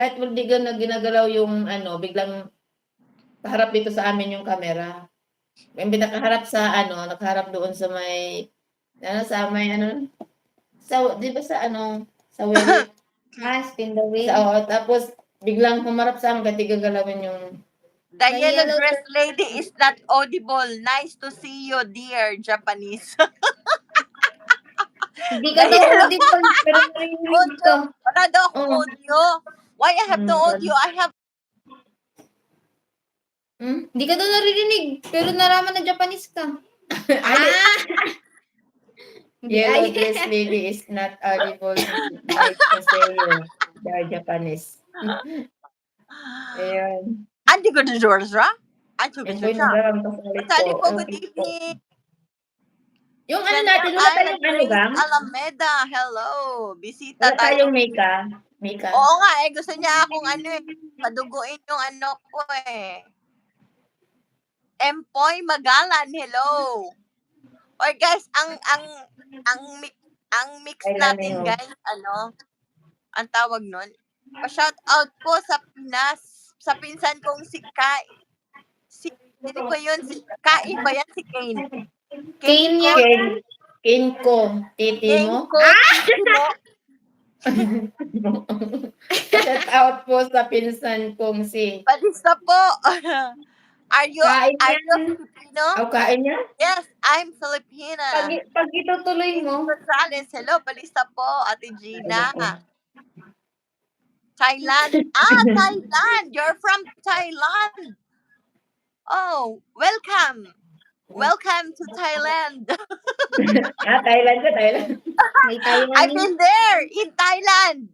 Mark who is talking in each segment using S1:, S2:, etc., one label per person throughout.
S1: Kahit hindi ginagalaw yung ano, biglang kaharap dito sa amin yung camera. May nakaharap sa ano, nakaharap doon sa may sa may ano, sa 'di ba sa ano, sa wheel?
S2: Spin the wheel.
S1: Tapos biglang humarap sa amin kahit gagalawin yung
S3: The yellow dress lady is not audible. Nice to see you, dear Japanese.
S2: Hindi ka daw audible, pero narinig ka.
S3: Wala daw akong audio. Why I have no audio? I have...
S2: Hindi ka daw naririnig, pero naraman na Japanese ka.
S1: Yellow dress lady is not audible. Nice to see you, dear Japanese. Ayun.
S3: Andi ko na Georgia? Andi ko na siya. Sali po, good evening.
S1: Yung ano natin, wala tayong ano ba?
S3: Alameda, hello. Bisita
S1: Wala tayong Mika.
S3: Oo nga, gusto niya akong paduguin yung ano ko Empoy Magalan, hello. Or guys, ang mix natin guys, ang tawag nun? Pa-shout out po sa Pinas, sa pinsan kong si Kai. Sino ko yun? Kai ba yan? Si Kane?
S2: Kane yan.
S1: Kane ko. Titi mo? Shout out po sa pinsan kong si...
S3: Palista po. Are you Filipino?
S1: Kain niya?
S3: Yes, I'm Filipina.
S2: Pag itutuloy mo.
S3: Gonzales, hello, palista po, Ate Gina. Thailand. Thailand. You're from Thailand. Oh, welcome. Welcome to Thailand.
S1: Thailand ka, Thailand.
S3: I've been there in Thailand.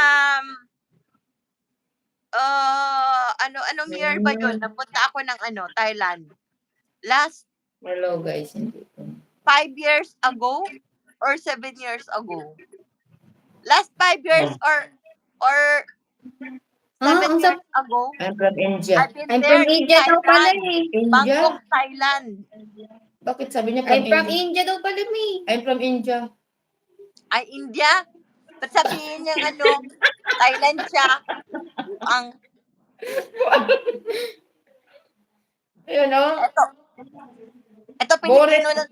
S3: Anong year ba yun? Napunta ako ng Thailand.
S1: Hello guys.
S3: 5 years ago or 7 years ago? Last 5 years or 7 years ago?
S1: I'm from India.
S2: I'm from India daw pala
S3: Bangkok, Thailand.
S1: Bakit sabi niya
S2: I'm from India daw pala
S1: I'm from India.
S3: Ay, India? Ba't sabihin niya Thailand siya?
S1: Ayun
S3: Ito Pilipino na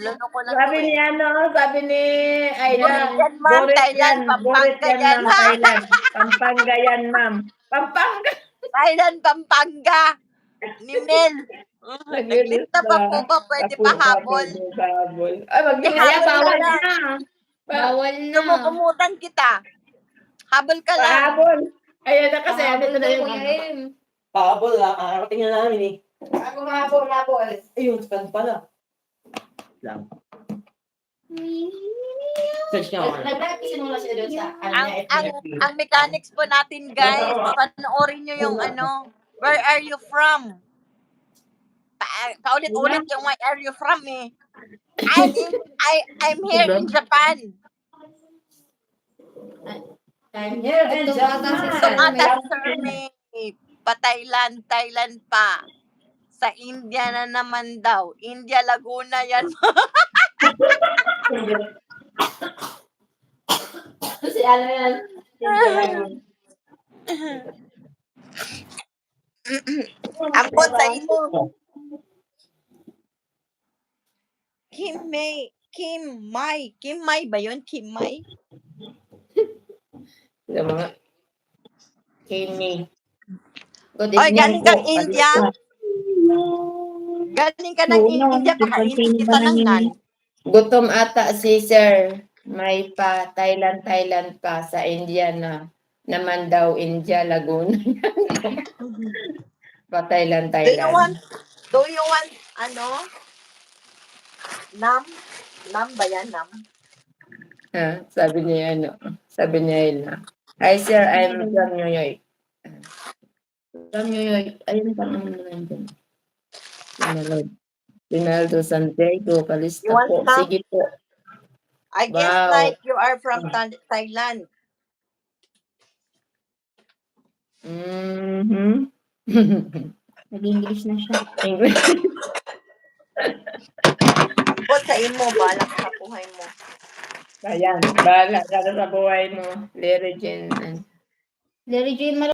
S1: sabi ni Aida.
S3: Thailand, Pampanga yan.
S1: Pampanga yan, ma'am. Pampanga.
S3: Thailand, Pampanga. Ni Mel. Naglista pa po ba? Pwede pa habol?
S1: Bawal na.
S2: Bawal na.
S3: Lumukumutan kita. Habol ka lang.
S1: Pahabol. Ayan na kasi. Ano na yung
S4: pahabol, tingnan namin
S1: Ako mahabol.
S4: Ayun, span pala. Lang. Search niya ako.
S1: Nagsisimula siya doon sa
S3: ang mechanics po natin, guys. Panoorin nyo yung where are you from? Paulit-ulit yung where are you from I'm here in Japan.
S1: I'm here in Japan.
S3: Tumata si Sir May. Pa-Thailand pa. Sa India na naman daw. India, Laguna yan.
S1: Si ano yan?
S3: Ampon sa inyo. Kim Mai ba yun? Kim Mai?
S1: Yung mga Kimi.
S3: Galing kang India. Galing ka ng India, kakainin kita ng nan.
S1: Gutom ata si Sir. May pa Thailand pa sa India na naman daw India, Laguna. Pa Thailand.
S3: Do you want Nam? Nam ba yan? Nam?
S1: Sabi niya Hi Sir, I'm from New York. From New York. Ayun pa naman dyan. Rinaldo Santiago, Kalista po. Sige po.
S3: I guess like you are from Thailand.
S2: Nag-English na siya.
S1: English.
S3: Bukod sa imo, balak sa buhay mo.
S1: Ayan, bahala ka sa buhay mo. Lere Jen.
S2: Larry Jane